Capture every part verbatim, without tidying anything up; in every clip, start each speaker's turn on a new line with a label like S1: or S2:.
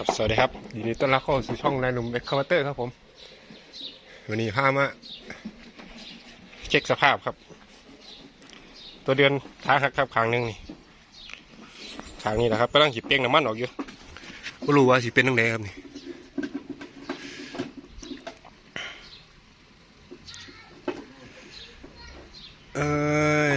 S1: ครับสวัสดีครับยินดีต้อนรับเข้าสู่ช่องนายหนุ่มเอ็กคาเวเตอร์ครับผมวันนี้พามาเช็คสภาพครับตัวเดือนท้าหักครับครั้งหนึ่งนี่ครั้งนี้นะครับกำลังฉีดเป้งน้ำมันออกอยู่ไม่รู้ว่าฉีดเป็นตั้งไหนครับนี่เอ้ย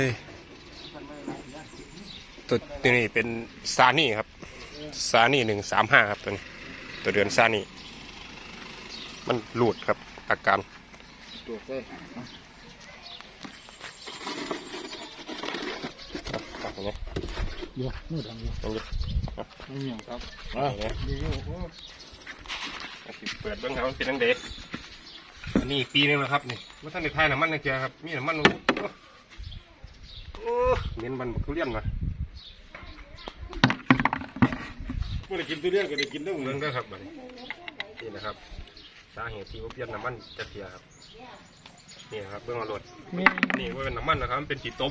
S1: ตัวตัวนี้เป็นซานี่ครับซานี่หนึ่งสามห้าครับตัวนี้ตัวเดือนซานี่มันหลุดครับอาการ
S2: ตัวเต้
S1: ตัดตรงนี้
S2: เยอะนู่นดังเยอะ
S1: ตรงนี้
S2: ไม่เหนียวครับ
S1: อ่าเนี่ยเปิดเบื้องหลังเป็นตั้งเด็กอันนี้ปีนึงแล้วครับนี่ว่าท่านในไทยน้ำมันนะเจ้าครับมีน้ำมันโอ้เน้นมันทุเรียนมา
S2: เมื่อได้กินทุเรียนก็ได้กินได้หมด
S1: เรื่องได้ครับบัดนี้นี่นะครับสาเหตุที่ว่าเปลี่ยนน้ำมันจะเสียครับนี่นะครับเบื้องหลังนี่ว่าเป็นน้ำมันนะครับมันเป็นขีดต้ม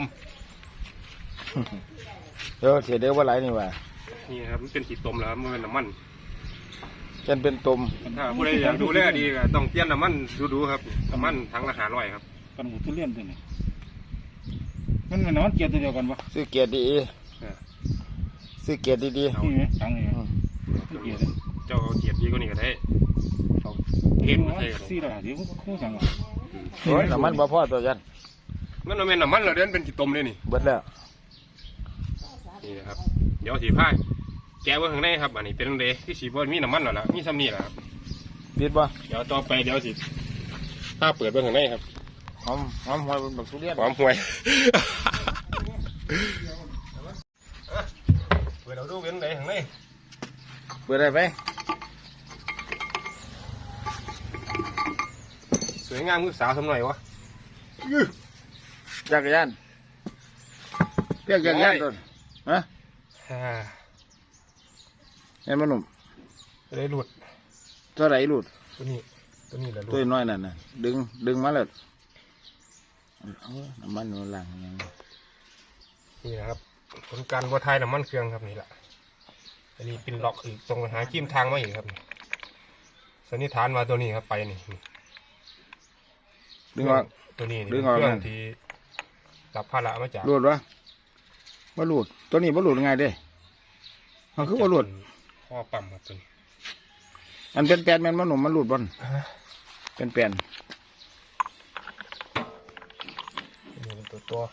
S2: เดี๋ยวเสียเดี๋ยวว่าไรนี่ว่า
S1: นี่ครับมันเป็นขีดต้มแล้วมันเป็นน้ำมัน
S2: จนเป็นต้ม
S1: ถ้าผู้ใดอยากดูแลดีก็ต้องเปลี่ยนน้ำมันดูๆครับน้ำมันทั้งละห้าร้อยครับ
S2: กันหมูทุเรียนตัวนี้มันเป็นน้ำมันเกียร์ตัวเดียวกันปะซื้อเกียร์ดีซื้อเกียร์ดีๆนี่ไหมตังนี่เกียร์
S1: เจ้าเกียร์ดีก็นี่ก็ได้เอาเกมมาใส่กัน
S2: สี่ร้อยเดี๋ยวคู่สั่งโอ้ยน้ำมันบ่พอตัวยัน
S1: มันเป็นน้ำมันเราเดินเป็นขีดต้มเลยนี่
S2: เบิดแล้ว
S1: นี่นะครับเดี๋ยวสีผ้าแกะไว้ข้างในครับอันนี้เป็นเดย์ที่สีบอลมีน้ำมันหรอละมีซ้ำนี่แหละครับ
S2: ปิดป่ะ
S1: เดี๋ยวต่อไปเดี๋ยวสิผ้าเปิดไว้ข้างในครับ
S2: หอมหอมหวยแบบทุเรียน
S1: หอมหวยเปิดเราดูเป็นเดย์ข้างใน
S2: เปิดได้ไหม
S1: สวยงามมือสาวทำหน่อยวะ
S2: จักรยานเรียกจักรยานต้นฮะเห็นมันหนุ่ม
S1: ตัวไหนหลุด
S2: ตัวไหนหลุด
S1: ตัวนี้ตัวนี้แหละหลุด
S2: ตัวน้อยนั่นน่ะดึงดึงมาเลยน้ำมันมันหลังอย่าง
S1: นี่นะครับผลการวัดไทยน้ำมันเครื่องครับนี่แหละอันนี้เป็นล็อกอีกตรงหาจิ้มทางมาอีกครับสันนิษฐานมาตัวนี้ครับไปนี่
S2: ดึงออก
S1: ตัวนี้ดึงออกเครื่องที่รับภาระมาจาก
S2: หลุดวะบ่หลุดตัวนี้บ่หลุดไงเด้มันคือบ่หลุด
S1: ข้อปั๊มครับตัวนี้
S2: มันเป็นแปลนมันมันหนุ่มมันหลุดบอลเป็นแปลน
S1: นี่เป็นตัวตัว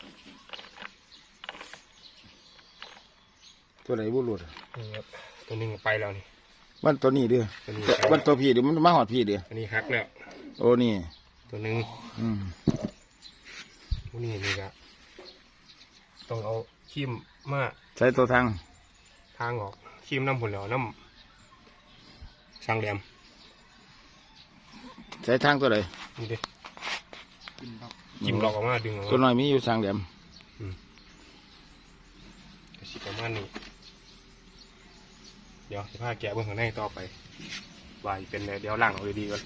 S2: ตัวไหนบ่หลุด
S1: นี่ครับตัวนึงไปแล้วนี่
S2: วันตัวนี้เด้อวันตัวพี่เดี๋ยวมันมาหอดพี่เด้อ
S1: อันนี้ฮักแล้ว
S2: โอ้นี่
S1: ตัวนึง
S2: อืม
S1: นี่นี่ครับต้องเอาขี้มมา
S2: ใช้ตัวทาง
S1: ทางออกขี้มน้ำผุนแล้วน้ำช่างแหลม
S2: ใช้ทางตัวไหน
S1: นี่ดิจิ้มหลอกออกมาดึงออกมา
S2: ตัวน้อยมีอยู่ช่างแหลม
S1: กระชิบประมาณนี้เดี๋ยวจะพาแกะเบื้องข้างในต่อไปวายเป็นเดี๋ยวล่างเอาดีๆก่อน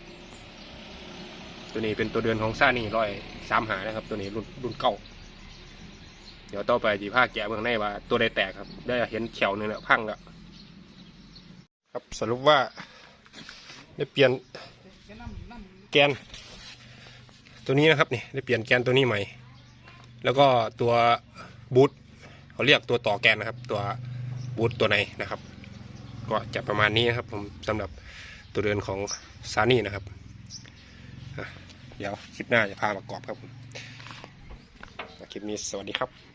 S1: ตัวนี้เป็นตัวเดือนของซ่านี่ร้อยสามหานะครับตัวนี้รุ่นรุ่นเก่าเดี๋ยวต่อไปจีผ้าแกะเบื้องในว่าตัวใดแตกครับได้เห็นเขียวนึงแล้วพังแล้วครับสรุปว่าได้เปลี่ยนแกนตัวนี้นะครับนี่ได้เปลี่ยนแกนตัวนี้ใหม่แล้วก็ตัวบูทเขาเรียกตัวต่อแกนนะครับตัวบูทตัวในนะครับก็จะประมาณนี้นะครับผมสำหรับตัวเดือนของซานี่นะครับเดี๋ยวคลิปหน้าจะพาประกอบครับผมคลิปนี้สวัสดีครับ